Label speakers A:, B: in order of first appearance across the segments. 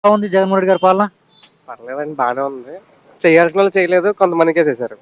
A: ఎలా ఉంది జగన్మోహన్ రెడ్డి గారి పాలన?
B: పర్లేదండి, బాగానే ఉంది. చేయాల్సిన వాళ్ళు చేయలేదు, కొంతమందికే చేశారు.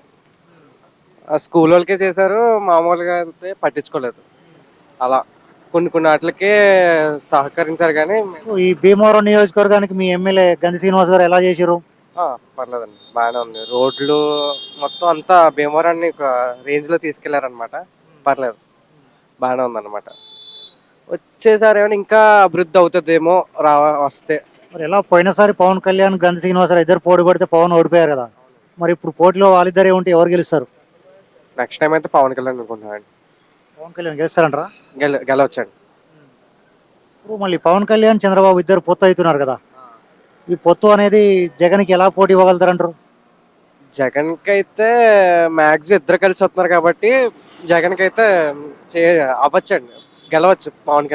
B: ఆ స్కూల్ వాళ్ళకే చేశారు, మామూలుగా అయితే పట్టించుకోలేదు. అలా కొన్ని కొన్ని వాటికే సహకరించారు కానీ
A: ఈ భీమవరం నియోజకవర్గానికి మీ ఎమ్మెల్యే గంధి శ్రీనివాస్ గారు ఎలా చేశారు?
B: పర్లేదండి, బాగానే ఉంది. రోడ్లు మొత్తం అంతా భీమవరాన్ని ఒక రేంజ్లో తీసుకెళ్లారనమాట. పర్లేదు, బాగానే ఉందన్నమాట. వచ్చేసారి ఏమైనా ఇంకా అభివృద్ధి అవుతుందేమో వస్తే.
A: మరి ఎలా పోయినసారి పవన్ కళ్యాణ్ గంధి శ్రీనివాస్ గారు ఇద్దరు పోటీ పడితే పవన్ ఓడిపోయారు కదా. మరి ఇప్పుడు పోటీలో వాళ్ళిద్దరే ఉంటే ఎవరు గెలుస్తారు?
B: నెక్స్ట్ టైం అయితే పవన్ కళ్యాణ్ అనుకుంటున్నాను.
A: పవన్ కళ్యాణ్ గెలుస్తారంటారా?
B: గెలవచ్చండి.
A: ఇప్పుడు మళ్ళీ పవన్ కళ్యాణ్ చంద్రబాబు ఇద్దరు పొత్తు అవుతున్నారు కదా. ఈ పొత్తు అనేది జగన్కి ఎలా పోటీ ఇవ్వగలుగుతారంటారు?
B: జగన్కి అయితే మ్యాక్సిమం ఇద్దరు కలిసి వస్తున్నారు కాబట్టి జగన్కి అయితే చే అవ్వచ్చండి, గెలవచ్చు.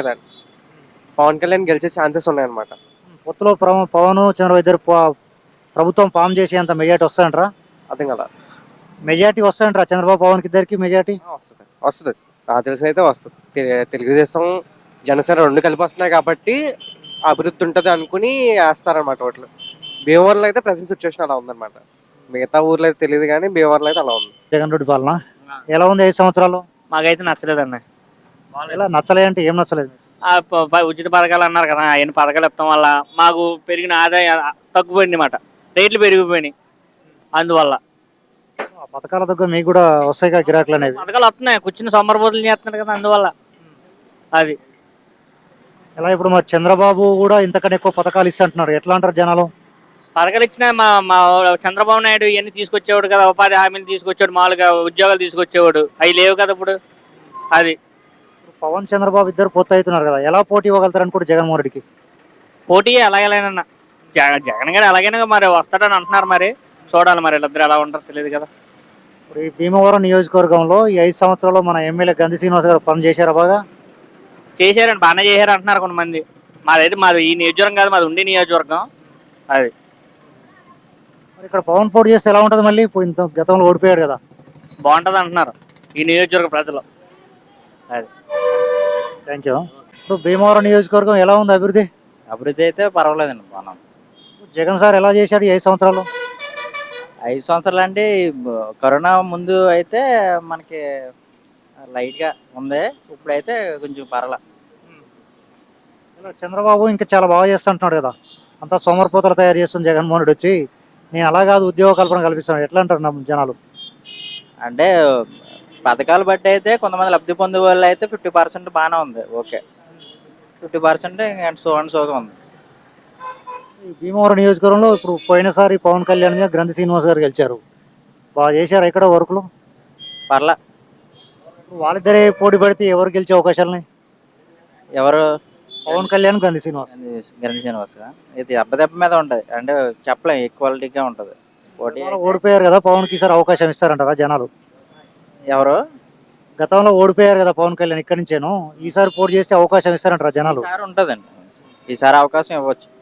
B: పవన్ కళ్యాణ్ గెలిచే ఛాన్సెస్ ఉన్నాయన్నమాట.
A: పొత్తులో పవన్ చంద్రబాబు ఇద్దరు ప్రభుత్వం ఫామ్ చేసేంత మెజార్టీ వస్తాయంటారా?
B: అర్థం కదా.
A: మెజార్టీ వస్తాయంటారా చంద్రబాబు పవన్కి ఇద్దరికి మెజార్టీ?
B: వస్తుంది నాకు తెలిసి అయితే వస్తుంది. తెలుగుదేశం జనసేన రెండు కలిపి వస్తున్నాయి కాబట్టి అభివృద్ధి ఉంటుంది అనుకుని వేస్తారనమాట ఓట్లు. భీమవరంలో అయితే ప్రెసెంట్ సిచ్యువేషన్ అలా ఉందన్నమాట. మిగతా ఊర్లో అయితే తెలియదు కానీ భీమవరంలో అయితే అలా ఉంది.
A: జగన్ రెడ్డి పాలన ఎలా ఉంది 5 సంవత్సరాలు?
C: మాకైతే నచ్చలేదన్న.
A: ఎలా నచ్చలే అంటే ఏం నచ్చలేదు?
C: ఉచిత పథకాలు అన్నారు కదా, ఆయన పథకాలు ఇవ్వడం వల్ల మాకు పెరిగిన ఆదాయం తగ్గిపోయింది అన్నమాట. రేట్లు పెరిగిపోయినాయి. అందువల్ల
A: ఆ పథకాల దగ్గర మీకు కూడా వస్తాయిగా గిరాకులు అనేవి?
C: పథకాలు వస్తున్నాయి, కూర్చుని సోమరబోతులు చేస్తున్నారు కదా, అందువల్ల అది.
A: ఎలా ఇప్పుడు మరి చంద్రబాబు కూడా ఇంతకన్నా ఎక్కువ పథకాలు ఇస్తుంటున్నారు, ఎట్లా అంటారు జనాలు?
C: పథకాలు ఇచ్చినా మా చంద్రబాబు నాయుడు ఇవన్నీ తీసుకొచ్చేవాడు కదా, ఉపాధి హామీలు తీసుకొచ్చాడు, మామూలుగా ఉద్యోగాలు తీసుకొచ్చేవాడు. అవి లేవు కదా ఇప్పుడు. అది
A: పవన్ చంద్రబాబు ఇద్దరు పొత్తు అవుతున్నారు కదా, ఎలా పోటీ ఇవ్వగలుగుతారు అనుకుంటే జగన్మోహన్ రెడ్డికి?
C: పోటీ ఎలాగేనా జగన్ గారు ఎలాగైనా మరి వస్తాడని అంటున్నారు. మరి చూడాలి, మరి వీళ్ళిద్దరు ఎలా ఉంటారో తెలియదు కదా.
A: ఇప్పుడు ఈ భీమవరం నియోజకవర్గంలో ఈ 5 సంవత్సరాల్లో మన ఎమ్మెల్యే గంధి శ్రీనివాస్ గారు పని చేశారా బాగా?
C: చేశారండి, బాగానే చేశారు అంటున్నారు కొంతమంది. మాది ఈ నియోజకవర్గం కాదు, మాది ఉండే నియోజకవర్గం అది.
A: మరి ఇక్కడ పవన్ పోటీ చేస్తే ఎలా ఉంటుంది మళ్ళీ? ఇప్పుడు ఇంత గతంలో ఓడిపోయాడు కదా.
C: బాగుంటుంది అంటున్నారు ఈ నియోజకవర్గ ప్రజలు. అది.
A: Thank you. ఇప్పుడు భీమవరం నియోజకవర్గం ఎలా ఉంది అభివృద్ధి?
D: అభివృద్ధి అయితే పర్వాలేదండి, బాగున్నాం.
A: జగన్ సార్ ఎలా చేశాడు ఈ 5 సంవత్సరాలు?
D: 5 సంవత్సరాలు అంటే కరోనా ముందు అయితే మనకి లైట్గా ఉంది, ఇప్పుడైతే కొంచెం పర్వాలే.
A: ఇలా చంద్రబాబు ఇంకా చాలా బాగా చేస్తుంటున్నాడు కదా, అంతా సోమరిపోతలు తయారు చేస్తుంది జగన్మోహన్ రెడ్డి వచ్చి. నేను అలా కాదు, ఉద్యోగ కల్పన కల్పిస్తాను, ఎట్లా అంటారు జనాలు?
D: అంటే పథకాలు బట్టి అయితే కొంతమంది లబ్ధి పొందే వాళ్ళు అయితే 50% బాగానే ఉంది, ఓకే. 50% సోగా ఉంది.
A: ఈ భీమవరం నియోజకవర్గంలో ఇప్పుడు పోయినసారి పవన్ కళ్యాణ్ గా గంధి శ్రీనివాస్ గారు గెలిచారు, బాగా చేశారు ఇక్కడ వర్కులు.
D: పర్లా.
A: వాళ్ళిద్దరే పోటీ పడితే ఎవరు గెలిచే అవకాశాలని?
D: ఎవరు?
A: పవన్ కళ్యాణ్ గంధి శ్రీనివాస్.
D: గణేష్ శ్రీనివాస్ ఇది దెబ్బ మీద ఉంటుంది, అంటే చెప్పలేం, ఈక్వాలిటీగా ఉంటుంది పోటీ.
A: ఓడిపోయారు కదా పవన్ కి, ఈసారి అవకాశం ఇస్తారంటారా జనాలు?
D: ఎవరు?
A: గతంలో ఓడిపోయారు కదా పవన్ కళ్యాణ్ ఇక్కడి నుంచేను, ఈసారి పోటీ చేస్తే అవకాశం ఇస్తారంటారా జనాలు?
D: ఈసారి ఉంటుందండి, ఈసారి అవకాశం ఇవ్వచ్చు.